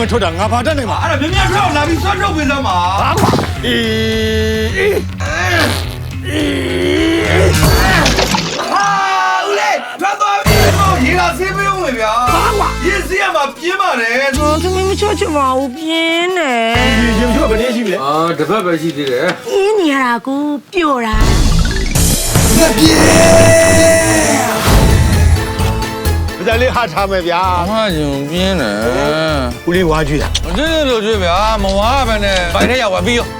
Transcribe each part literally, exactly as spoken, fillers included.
မထွက်တာငါဘာတတ်နိုင်မှာအဲ့ဒါမြင်မြင်ထွက်လာပြီးဆွတ်ထုတ်ပေးစမ်းပါဟာကွာအေးဟာဦးလေးထွက်သွားပြီရေကဆေးပေးဦးမယ်ဗျာဟာကွာရေဆေးရမှာပြင်းပါတယ်ဟောသမီးမချောချင်ပါဘူးပြင်းနေရေရေထွက်ဘယ်နည်းရှိလဲအာတစ်ဖက်ပဲရှိသေးတယ်ပြင်းနေရတာကိုပျော့တာမပြေဒါလေးဟာထားမယ်ဗျာအမညုံပြင်းတယ်ဦးလေးဝါကြည့်တာမကြည့်လို့ကြည့်ဗျာမဝါပဲနဲ့ဘိုင်ထဲရောက်သွားပြီးရော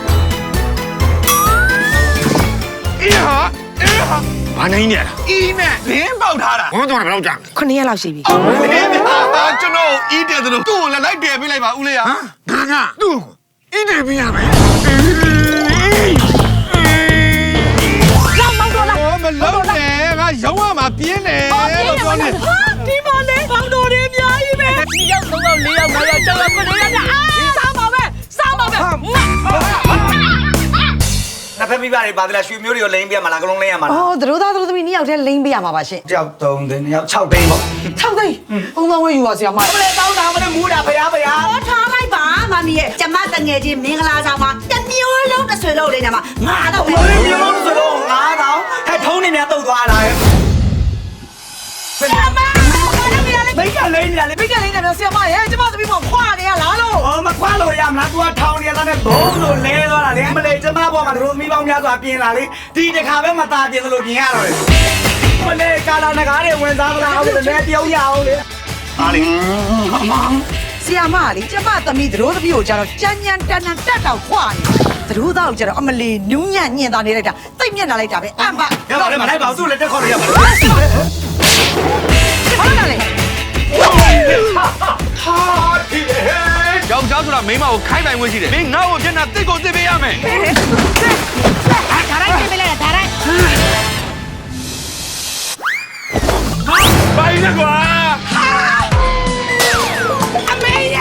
အေးဟာအေးဟာဘာနိုင်နေရလားအီးနဲ့လင်းပေါက်ထားတာဘုံတော့ဘယ်လောက်ကြာခုနှစ်ရက်လောက်ရှိပြီလင်းဗျာကျွန်တော်အီးတယ်သလိုသူ့ကိုလည်းလိုက်တယ်ပေးလိုက်ပါဦးလေးဟာငါကသူ့ကိုအင်းတယ်ပြရမယ်လောက်မောက်တော့လားမလုံးနဲ့ငါရောင်းရမှာပြင်းတယ်လို့ပြောနေဟာဒီမလေးပေါင်းတော်တွေအများကြီးပဲဒီရောက်သုံးရောက်လေးရောက်ငါးရောက်၆ရောက်ခုနှစ်ရောက်အာစားပါပဲစားပါပဲနှစ်ဖက်မိဘတွေပါသလားရွှေမျိုးတွေကိုလိမ့်ပြရမှာလားကလုံးလိမ့်ရမှာလားအော်တို့သားတို့သမီးနှစ်ယောက်တည်းလိမ့်ပေးရမှာပါရှင်ကြောက်သုံးသိန်းယောက်၆သိန်းပေါ့၆သိန်းဘုံတော်ဝဲယူပါဆရာမမလေးတောင်းတာမလေးမူးတာဖရားဖရားဟောထားလိုက်ပါမမီရဲ့ကျမတငယ်ချင်းမင်္ဂလာဆောင်မှာတမျိုးလုံးတစ်ဆွေလုံးလေးညမှာငါတော့ပဲဘယ်မျိုးလုံးဆိုတော့ငါးတောင်ဟဲ့ထုံးနေများတုတ်သွားတာရဲ့ဆရာမဘိတ်ကလိမ့်နေလေဘိတ်ကလေးနဲ့ပြောဆရာမရဲ့ကျမသမီးမခွာနေရလားလို့ဟောမခွာလို့ရမလား तू ကထောင်နေရတဲ့ဘုံလို့လဲသွားတာလေမလေးကျမဘောမှာတို့မိပေါင်းများစွာပြင်လာလေဒီတစ်ခါပဲမตาပြင်လို့ပြင်ရတော့လေမလေးကာလာနဂါးတွေဝင်စားမလားအောင်လေတယောက်ရအောင်လေအားလေဆရာမလေးကျမသမီးတို့သမီးကိုကြတော့ကြမ်းကြမ်းတန်တန်တက်တော့ခွာနေတို့သားကိုကြတော့အမလီနူးညံ့ညင်သားနေလိုက်တာတိတ်မျက်နှာလိုက်တာပဲအမ်ပါရပါလေမလိုက်ပါဘူးသူ့လည်းတက်ခေါ်လို့ရပါလားဘာလို့လဲဟာဒီလေယောက်ျားဆိုတာမိန်းမကိုခိုင်းပိုင်ဝင်ရှိတယ်မင်းငါ့ကိုမျက်နှာတစ်ကိုတစ်ပေးရမယ်ဒါရိုက်ပြင်ပေးလိုက်တာဒါရိုက်ဘိုင်းနဲ့ကွာအမေရ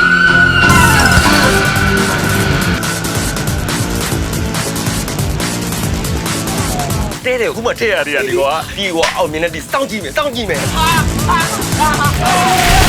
တဲတယ်ခုမှထည့်ရသေးတယ်ဒီကွာဒီကွာအောင်မြင်တဲ့ဒီစောင့်ကြည့်မယ်စောင့်ကြည့်မယ်